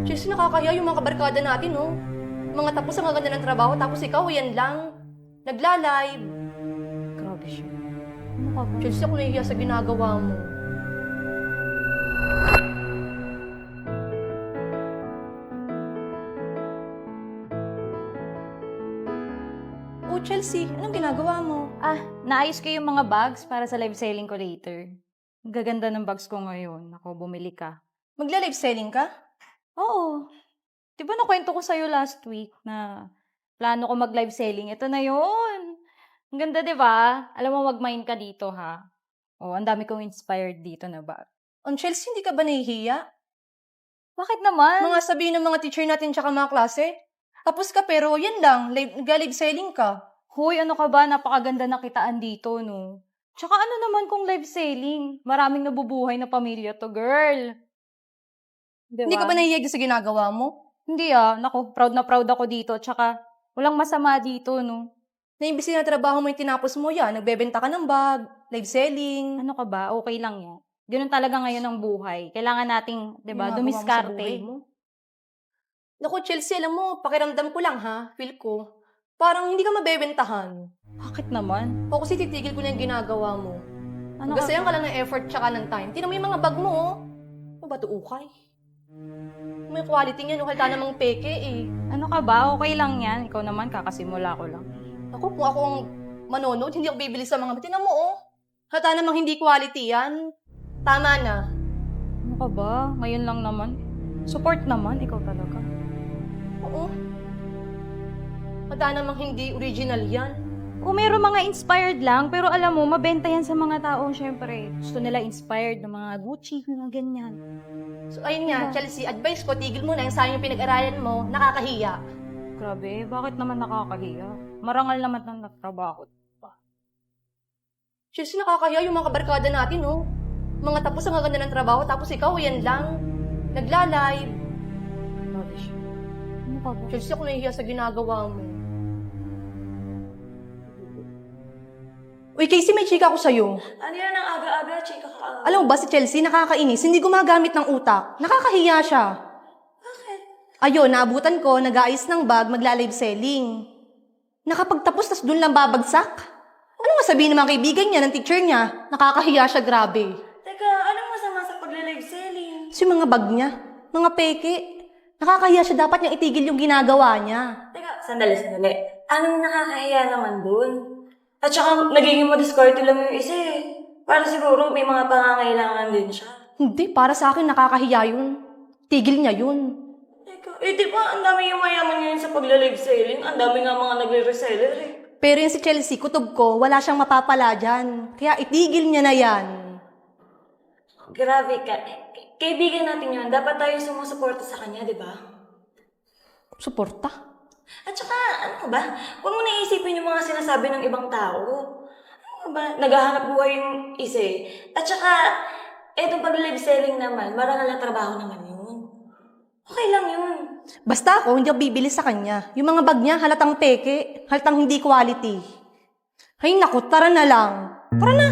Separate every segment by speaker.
Speaker 1: Chelsea, nakakahiya yung mga kabarkada natin, no? Mga tapos ang gaganda ng trabaho, tapos ikaw, yan lang. Nagla-live.
Speaker 2: Grabe siya. Ano ka ba?
Speaker 1: Chelsea, ako nahihiya sa ginagawa mo. Oh, Chelsea, anong ginagawa mo?
Speaker 2: Naayos ko yung mga bags para sa live selling ko later. Ang gaganda ng bags ko ngayon. Ako, bumili ka.
Speaker 1: Magla-live selling ka?
Speaker 2: Oo. Di ba nakwento ko sa'yo last week na plano ko mag-live selling? Ito na yun. Ang ganda, di ba? Alam mo, mag-mind ka dito, ha? Oh, ang dami kong inspired dito na bag.
Speaker 1: On Chelsea, hindi ka ba nahihiya?
Speaker 2: Bakit naman?
Speaker 1: Mga sabihin ng mga teacher natin tsaka mga klase? Tapos ka pero yan lang, nag-live selling ka.
Speaker 2: Hoy, ano ka ba? Napakaganda na kitaan dito, no? Tsaka ano naman kung live selling? Maraming nabubuhay na pamilya to, girl. Di
Speaker 1: Hindi ka
Speaker 2: ba?
Speaker 1: ba nahihiya sa ginagawa mo?
Speaker 2: Hindi naku, proud na proud ako dito. Tsaka, walang masama dito, no?
Speaker 1: Na imbis na trabaho mo yung tinapos mo yan, nagbebenta ka ng bag, live selling.
Speaker 2: Ano ka ba? Okay lang yan. Ganun talaga ngayon ang buhay. Kailangan nating, di ba,
Speaker 1: Ginagawa mo sa buhay
Speaker 2: dumiskarte.
Speaker 1: mo. Naku, Chelsea, alam mo, pakiramdam ko lang ha, feel ko. Parang hindi ka mabebentahan.
Speaker 2: Bakit naman?
Speaker 1: O kasi titigil ko na yung ginagawa mo.
Speaker 2: Ano
Speaker 1: Gasayan
Speaker 2: ka
Speaker 1: ka lang ng effort tsaka ng time. Tinan mo yung mga bag mo, oh. Ano ba ito, ukay? May quality niyan, halata namang peke eh.
Speaker 2: Ano ka ba? Okay lang yan. Ikaw naman, kakasimula ko lang.
Speaker 1: Naku, kung ako ang manonood, hindi ako bibili sa mga... Tinan mo, oh. Halata namang hindi quality yan. Tama na.
Speaker 2: Ano ka ba? Ngayon lang naman. Support naman, ikaw talaga.
Speaker 1: Oo. Halata namang hindi original yan.
Speaker 2: Kung mayroong mga inspired lang, pero alam mo, mabenta yan sa mga tao, syempre. Gusto nila inspired ng mga Gucci, mga ganyan.
Speaker 1: So, ayun nga, Chelsea, advice ko, tigil mo na yung sayang yung pinag-aralan mo, nakakahiya.
Speaker 2: Grabe, bakit naman nakakahiya? Marangal naman ng natrabaho.
Speaker 1: Chelsea, nakakahiya yung mga kabarkada natin, oh. Mga tapos ang gaganda ng trabaho, tapos ikaw, yan lang. Nagla-live.
Speaker 2: Grabe siya. Ano ka ba?
Speaker 1: Chelsea, ako nahihiya sa ginagawa mo. Uy, Casey, may chika ko sa'yo.
Speaker 3: Ano yan ang aga-aga, chika ka?
Speaker 1: Alam mo ba si Chelsea, nakakainis, hindi gumagamit ng utak. Nakakahiya siya.
Speaker 3: Bakit?
Speaker 1: Ayun, naabutan ko, nag-aayos ng bag, magla-live selling. Nakapagtapos, tas dun lang babagsak? Ano nga sabihin ng mga kaibigan niya, ng teacher niya? Nakakahiya siya, grabe.
Speaker 3: Teka, anong masama sa pagla-live selling?
Speaker 1: So yung mga bag niya, mga peke, nakakahiya siya, dapat niyang itigil yung ginagawa niya.
Speaker 3: Teka, sandali. Anong nakakahiya naman dun? At saka, nagiging madiskarte lang yung isa eh. Para siguro may mga pangangailangan din siya.
Speaker 1: Hindi, para sa akin, nakakahiya yun. Tigil niya yun.
Speaker 3: Teka, di ba ang dami yung mayaman ngayon sa pagla-live selling? Ang dami nga mga nagre-reseller eh.
Speaker 1: Pero yung si Chelsea, kutob ko, wala siyang mapapala dyan. Kaya itigil niya na yan.
Speaker 3: Grabe ka. Kaibigan natin yun. Dapat tayo sumusuporta sa kanya, di ba?
Speaker 1: Suporta?
Speaker 3: At saka, ano ba? Huwag mo naisipin yung mga sinasabi ng ibang tao. Ano ba? Naghahanap buhay yung isa eh. At saka, etong pag-live selling naman, marangal na trabaho naman yun. Okay lang yun.
Speaker 1: Basta ako, hindi ako bibili sa kanya. Yung mga bag niya, halatang peke, halatang hindi quality. Ay naku, tara na lang. Tara na!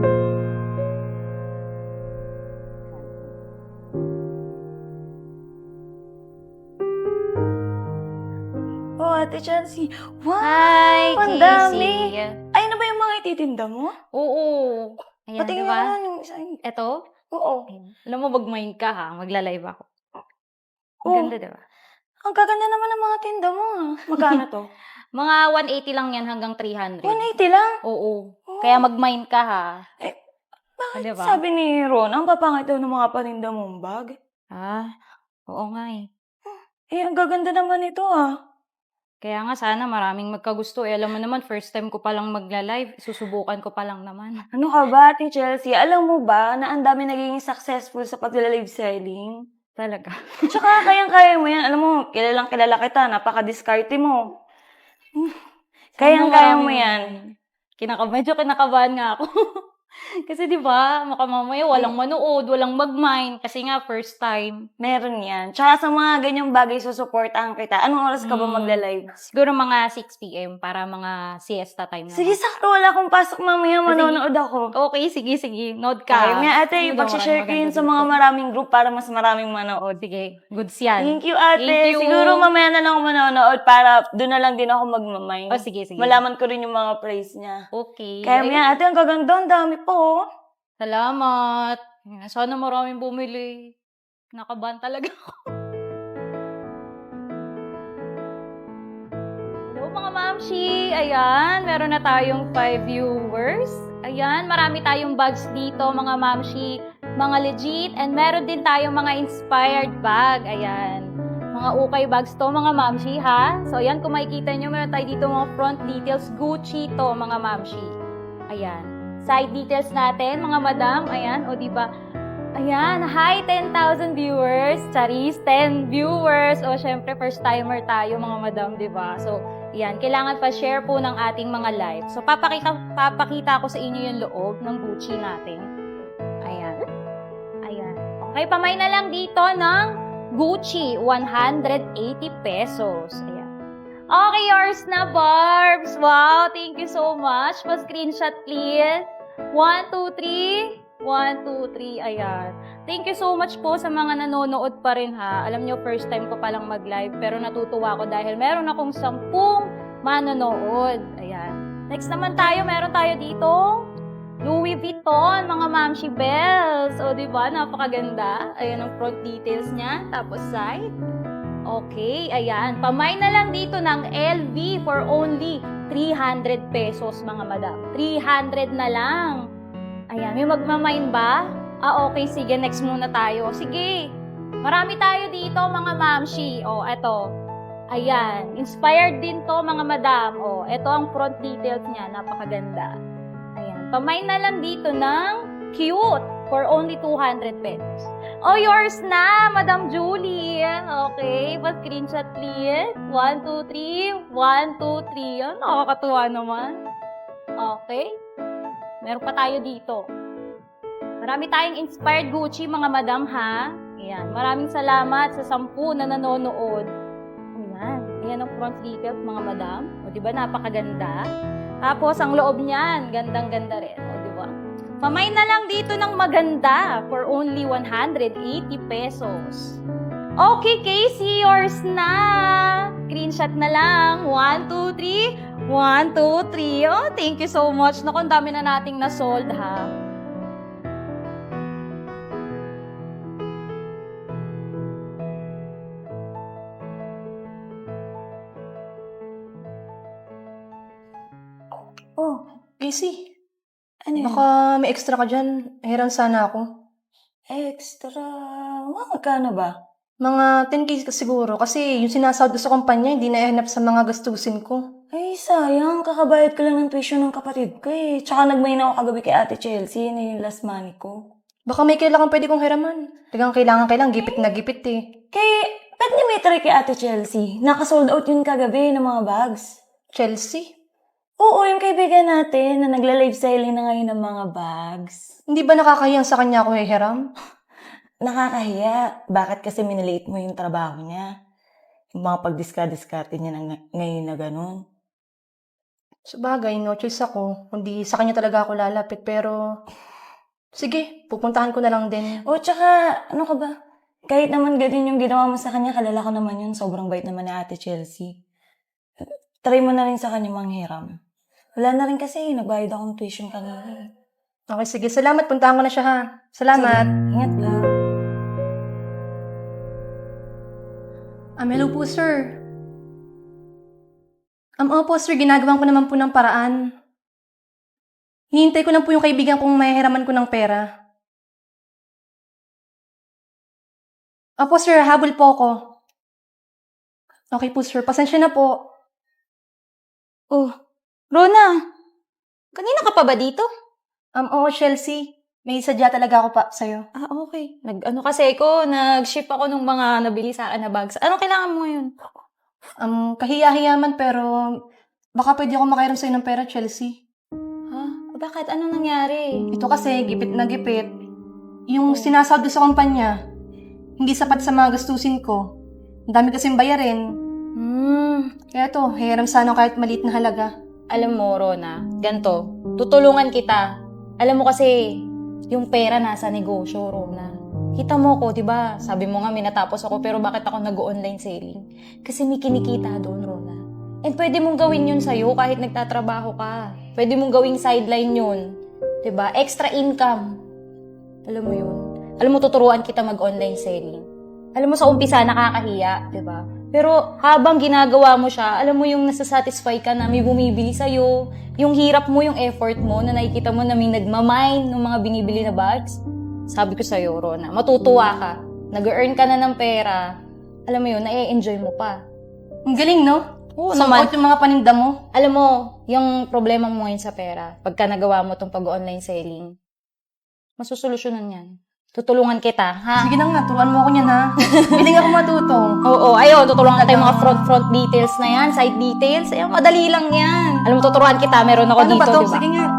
Speaker 3: Oh, Ate Chelsea. Wow!
Speaker 2: Hi,
Speaker 3: ang
Speaker 2: Casey.
Speaker 3: dami. Ay, na ba yung mga ititinda mo?
Speaker 2: Oo. Ayan,
Speaker 3: Patingin
Speaker 2: diba?
Speaker 3: naman yung isa.
Speaker 2: Eto?
Speaker 3: Oo.
Speaker 2: Alam mo, mag-mind ka ha. Magla-live ako. Ang
Speaker 3: Oh.
Speaker 2: ganda, diba?
Speaker 3: Ang gaganda naman ng mga tinda mo ah. Magkano to?
Speaker 2: Mga 180 lang yan hanggang 300.
Speaker 3: 180 lang?
Speaker 2: Oo. Kaya mag-mind ka ha.
Speaker 3: Bakit
Speaker 2: Diba?
Speaker 3: sabi ni Ron, ang papangit daw ng mga paninda mong bag?
Speaker 2: Oo nga eh.
Speaker 3: Eh, ang gaganda naman ito ah.
Speaker 2: Kaya nga sana maraming magkagusto. Alam mo naman, first time ko palang magla-live. Susubukan ko pa lang naman.
Speaker 3: Ano ka ba, Ate Chelsea? Alam mo ba na ang dami naging successful sa pag-live selling?
Speaker 2: Talaga.
Speaker 3: Tsaka kayang-kaya mo yan. Alam mo, kilalang kilala kita. Napaka-diskarte mo. Kayang-kaya mo yan.
Speaker 2: Medyo kinakabahan nga ako. Kasi 'di ba, baka mamaya walang manood, walang mag-mind kasi nga first time.
Speaker 3: Meron yan. Tsaka sa mga ganyang bagay, susuportahan kita. Anong oras ka ba
Speaker 2: Mm.
Speaker 3: magla-live?
Speaker 2: Siguro mga 6 PM para mga siesta time naman.
Speaker 3: Sige, sakto. Wala akong pasok mamaya. Manonood ako.
Speaker 2: Okay, sige. Note
Speaker 3: Kaya
Speaker 2: ka.
Speaker 3: nga, ate,
Speaker 2: Ano daw,
Speaker 3: pag-share ko
Speaker 2: maraming
Speaker 3: yun sa
Speaker 2: maganda
Speaker 3: mga
Speaker 2: dito.
Speaker 3: maraming group para mas maraming manood.
Speaker 2: Sige, goods yan.
Speaker 3: Thank you, ate.
Speaker 2: Thank you.
Speaker 3: Siguro mamaya na lang ako manonood para doon na lang din ako magmamay.
Speaker 2: Oh, sige.
Speaker 3: Malaman ko rin yung mga praise niya.
Speaker 2: Okay.
Speaker 3: Kaya
Speaker 2: Ayun.
Speaker 3: nga, ate, ang gaganda. Ang dami po. Oh.
Speaker 2: Salamat. Sana maraming bumili. Nakabahan talaga ako. Hello mga mamshi! Ayan, meron na tayong 5 viewers. Ayan, marami tayong bags dito mga mamshi. Mga legit. And meron din tayong mga inspired bag. Ayan. Mga ukay bags to mga mamshi ha. So ayan, kung makikita nyo, meron tayo dito mga front details. Gucci to mga mamshi. Ayan. Side details natin, mga madam. Ayan, o diba? Ayan, hi, 10,000 viewers. Charis, 10 viewers. O, syempre, first timer tayo, mga madam, diba? So, ayan, kailangan pa share po ng ating mga live. So, papakita ko sa inyo yung loob ng Gucci natin. Ayan. Okay, pamay na lang dito ng Gucci, 180 pesos. Ayan. Okay, yours na, Barbs. Wow, thank you so much. Pa-screenshot, please. 1, 2, 3. 1, 2, 3. Ayan. Thank you so much po sa mga nanonood pa rin, ha. Alam nyo, first time ko palang mag-live, pero natutuwa ako dahil meron akong 10 manonood. Ayan. Next naman tayo, meron tayo dito. Louis Vuitton, mga Mamshi Bells. O, diba? Napakaganda. Ayan ang front details niya. Tapos side. Okay, ayan. Pamay na lang dito ng LV for only 300 pesos, mga madam. 300 na lang. Ayan, may magmamain ba? Okay, sige. Next muna tayo. Sige. Marami tayo dito, mga mamshi. Eto. Ayan. Inspired din to, mga madam. Eto ang front details niya. Napakaganda. Ayan. Pamay na lang dito ng cute for only 200 pesos. Yours na, Madam Julie. Okay, pa-screenshot please. 1, 2, 3. 1, 2, 3. Yan, nakakatuwa naman. Okay. Meron pa tayo dito. Marami tayong inspired Gucci, mga madam, ha? Ayan. Maraming salamat sa 10 na nanonood. Ayan. Ayan ang front details, mga madam. Diba, napakaganda. Tapos, ang loob niyan, gandang-ganda rin. Diba? Pamay na lang dito ng maganda for only 180 pesos. Okay, Casey, yours na. Screenshot na lang. 1, 2, 3. 1, 2, 3. Thank you so much. Naku, ang dami na nating na-sold, ha.
Speaker 1: Casey,
Speaker 3: Ano yun?
Speaker 1: baka may extra ka dyan. Hiram sana ako.
Speaker 3: Extra. Magkano ba?
Speaker 1: Mga 10K siguro. Kasi yung sinasahod ko sa kumpanya, hindi na ihanap sa mga gastusin ko.
Speaker 3: Ay, sayang. Kakabayad ko lang ng tuition ng kapatid ko eh. Tsaka nagmain ako kagabi kay Ate Chelsea. Yun yung last money ko.
Speaker 1: Baka may kailangan pwede kong hiraman. Tagang kailangan. Gipit na gipit eh.
Speaker 3: Ba't niya may try kay Ate Chelsea? Naka-sold out yun kagabi ng mga bags.
Speaker 1: Chelsea?
Speaker 3: Oo, yung kaibigan natin na nagla-live selling na ngayon ng mga bags.
Speaker 1: Hindi ba nakakahiyang sa kanya ako hiram?
Speaker 3: Nakakahiya. Bakit kasi minaliit mo yung trabaho niya? Yung mga pagdiska-diskarte niya ngayon na ganun.
Speaker 1: Sabagay, no choice ako. Kundi sa kanya talaga ako lalapit. Pero, sige, pupuntahan ko na lang din.
Speaker 3: Tsaka, ano ka ba? Kahit naman ganyan yung ginawa mo sa kanya, kalala ko naman yun. Sobrang bait naman ni Ate Chelsea. Try mo na rin sa kanya manghiram. Wala na rin kasi, nagbayad akong tuition kanina.
Speaker 1: Okay, sige. Salamat. Puntahan ko na siya, ha? Salamat.
Speaker 3: Sige, ingat lang.
Speaker 1: Hello po, sir. Opo, sir. Ginagawan ko naman po ng paraan. Hinihintay ko lang po yung kaibigan kong mahihiraman ko ng pera. Opo, sir. Habol po ako. Okay po, sir. Pasensya na po.
Speaker 2: Rona, kanina ka pa ba dito?
Speaker 1: Oo, Chelsea. May sadya talaga ako pa sa'yo.
Speaker 2: Okay. Nag-ship ako ng mga nabili sa akin na bags. Anong kailangan mo yun?
Speaker 1: Kahiya-hiyaman pero baka pwede ako makairam sa'yo ng pera, Chelsea.
Speaker 2: Bakit? Anong nangyari?
Speaker 1: Ito kasi, gipit na gipit. Yung sinasahod ko sa kumpanya, hindi sapat sa mga gastusin ko. Ang dami kasing bayarin. Kaya to, hiram sana kahit maliit na halaga.
Speaker 2: Alam mo, Rona, ganto, tutulungan kita. Alam mo kasi, yung pera nasa negosyo, Rona. Kita mo ko, di ba? Sabi mo nga, may natapos ako, pero bakit ako nag-online selling? Kasi may kinikita doon, Rona. And pwede mong gawin yun sa'yo kahit nagtatrabaho ka. Pwede mong gawing sideline yun. Di ba? Extra income. Alam mo yun? Alam mo, tuturuan kita mag-online selling. Alam mo, sa umpisa, nakakahiya, di ba? Pero habang ginagawa mo siya, alam mo yung nasasatisfy ka na may bumibili sa'yo, yung hirap mo, yung effort mo, na nakikita mo na may nagmamine ng mga binibili na bags. Sabi ko sa'yo, Rona, matutuwa ka. Nag-earn ka na ng pera. Alam mo yun, na-enjoy mo pa.
Speaker 1: Ang galing, no?
Speaker 2: Oo
Speaker 1: Sold
Speaker 2: naman.
Speaker 1: out yung mga paninda mo.
Speaker 2: Alam mo, yung problema mo ngayon sa pera, pagka nagawa mo tong pag-online selling, masusolusyonan yan. Tutulungan kita, ha?
Speaker 1: Sige na nga, turuan mo ako niyan, ha? Biling ako matuto.
Speaker 2: Oo, ayun, tutulungan kita yung mga front details na yan, side details. Ayun, madali lang yan. Alam mo, tuturuan kita, meron ako
Speaker 1: Ano
Speaker 2: dito,
Speaker 1: ba to?
Speaker 2: di ba?
Speaker 1: Sige nga.